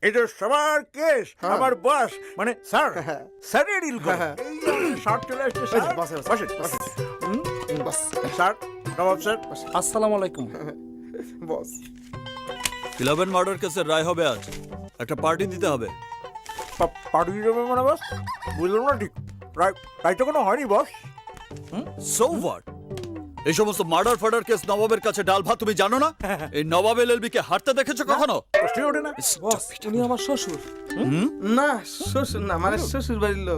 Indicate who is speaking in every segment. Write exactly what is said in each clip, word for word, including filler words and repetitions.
Speaker 1: এটা সবার কেস আমার বস মানে স্যার স্যারের ডিল করে শর্ট চলে আসছে স্যার বসেন বসেন
Speaker 2: বস
Speaker 1: স্যার নবাব স্যার
Speaker 3: আসসালামু আলাইকুম।
Speaker 2: বস
Speaker 4: ইলেভেন মার্ডার কেসের রায় হবে আজ, একটা পার্টি দিতে হবে।
Speaker 1: পাঠিয়ে দেবে মানে বস বুঝলাম না ঠিক রাইট রাইট তো কোনো হয়নি বস
Speaker 4: সো হোয়াট? এই সমস্ত মার্ডার ফার্ডার কেস নবাবের কাছে ডাল ভাত, তুমি জানো না? এই নবাব এলএলবি কে হারতে দেখেছো কখনো?
Speaker 1: প্রশ্নই ওঠে না
Speaker 3: বস উনি আমার শ্বশুর।
Speaker 2: না শ্বশুর না মানে শ্বশুর বাড়ির লোক।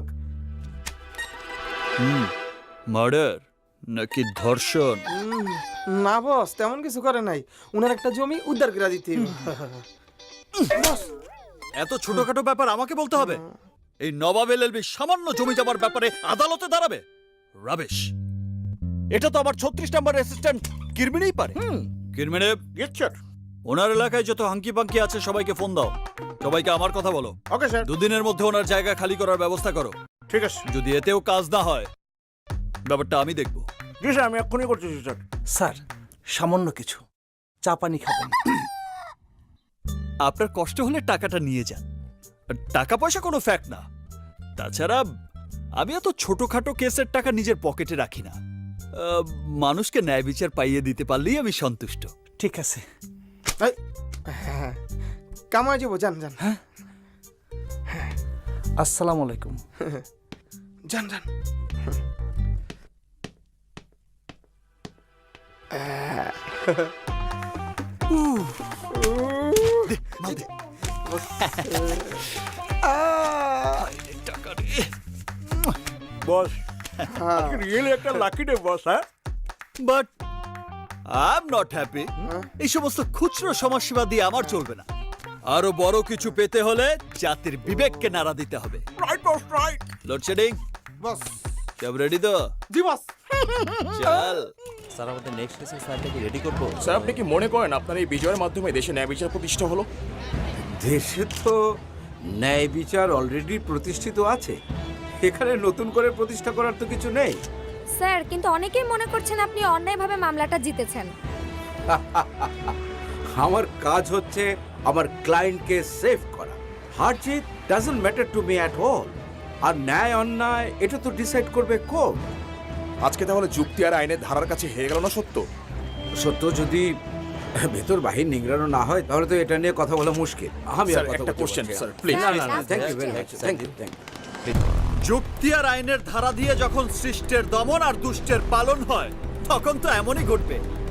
Speaker 4: মার্ডার নাকি ধর্ষণ?
Speaker 2: না বস তেমন কিছু করে নাই, উনার একটা জমি উদ্ধার করে দিতে হবে। বস
Speaker 4: এত ছোটখাটো ব্যাপার আমাকে বলতে হবে? এই নবাব এলএলবি সামান্য জমি জমার ব্যাপারে আদালতে দাঁড়াবে? রাবিশ! এটা তো আমার ছত্রিশ নাম্বার অ্যাসিস্ট্যান্ট কিরমিনেই পারে। কিরমিনে,
Speaker 1: ইয়েস স্যার
Speaker 4: ওনার এলাকায় যত হাঙ্কি পাঙ্কি আছে সবাইকে ফোন দাও, সবাইকে আমার কথা বলো।
Speaker 1: ওকে স্যার
Speaker 4: দুদিনের মধ্যে ওনার জায়গা খালি করার ব্যবস্থা করো।
Speaker 1: ঠিক আছে
Speaker 4: যদি এতেও কাজ না হয়, ব্যাপারটা আমি দেখব।
Speaker 1: জি স্যার আমি এক্ষুনি করতেছি স্যার
Speaker 3: স্যার সামান্য কিছু চা পানি খাবেন?
Speaker 4: আপনার কষ্ট হলে টাকাটা নিয়ে যান, আর টাকা পয়সা কোনো ফ্যাক্ট না। তাছাড়া আমি এত ছোটখাটো কেসের টাকা নিজের পকেটে রাখি না। আহ, মানুষকে ন্যায় বিচার পাইয়ে দিতে পারলেই আমি সন্তুষ্ট।
Speaker 3: ঠিক আছে।
Speaker 2: এই, হ্যাঁ, কামাই যাবো, যান যান
Speaker 3: আসসালামু আলাইকুম।
Speaker 2: যান যান।
Speaker 1: বস রিয়েলি একটা লাকি ডে বস হ্যাঁ
Speaker 4: but I am not happy. এই সমস্ত খুচরো সমাজসেবা দিয়ে আমার চলবে না। আরো বড় কিছু পেতে হলে জাতির বিবেককে নাড়া দিতে হবে।
Speaker 1: Right boss right
Speaker 4: load shedding
Speaker 2: boss
Speaker 4: সব রেডি তো?
Speaker 2: জি বস।
Speaker 4: চল।
Speaker 5: স্যার আমাদের নেক্সট কেসের ফাইলটাকে রেডি করবো।
Speaker 6: স্যার আপনি কি মনে করেন আপনার এই বিজয়ের মাধ্যমে দেশে ন্যায় বিচার প্রতিষ্ঠা হলো?
Speaker 7: দেশে তো ন্যায় বিচার অলরেডি প্রতিষ্ঠিত আছে, এখানে নতুন করে প্রতিষ্ঠা করার তো কিছু নেই।
Speaker 8: স্যার কিন্তু অনেকেই মনে করছেন আপনি অন্যায়ভাবে মামলাটা জিতেছেন।
Speaker 7: আমার কাজ হচ্ছে আমার ক্লায়েন্টকে সেভ করা। হার জিত doesn't matter to me at all. আর ন্যায় অন্যায় এটা তো ডিসাইড করবে কোর্ট।
Speaker 6: আজকে তাহলে যুক্তি আর আইনের ধারার কাছে হেরে গেল না সত্য?
Speaker 7: সত্য যদি ভেতর বাহির নিংড়ানো না হয় তাহলে তো এটা নিয়ে কথা বলা মুশকিল। আমি আর
Speaker 6: স্যার,
Speaker 7: কথা
Speaker 6: একটা
Speaker 7: বলতে
Speaker 6: কোশ্চেন
Speaker 7: পারছি
Speaker 6: স্যার
Speaker 7: না।
Speaker 6: প্লিজ।
Speaker 7: না না না thank you very much thank you thank you.
Speaker 4: যুক্তি আর আইনের ধারা দিয়ে যখন সৃষ্টের দমন আর দুষ্টের পালন হয় তখন তো এমনই ঘটবে।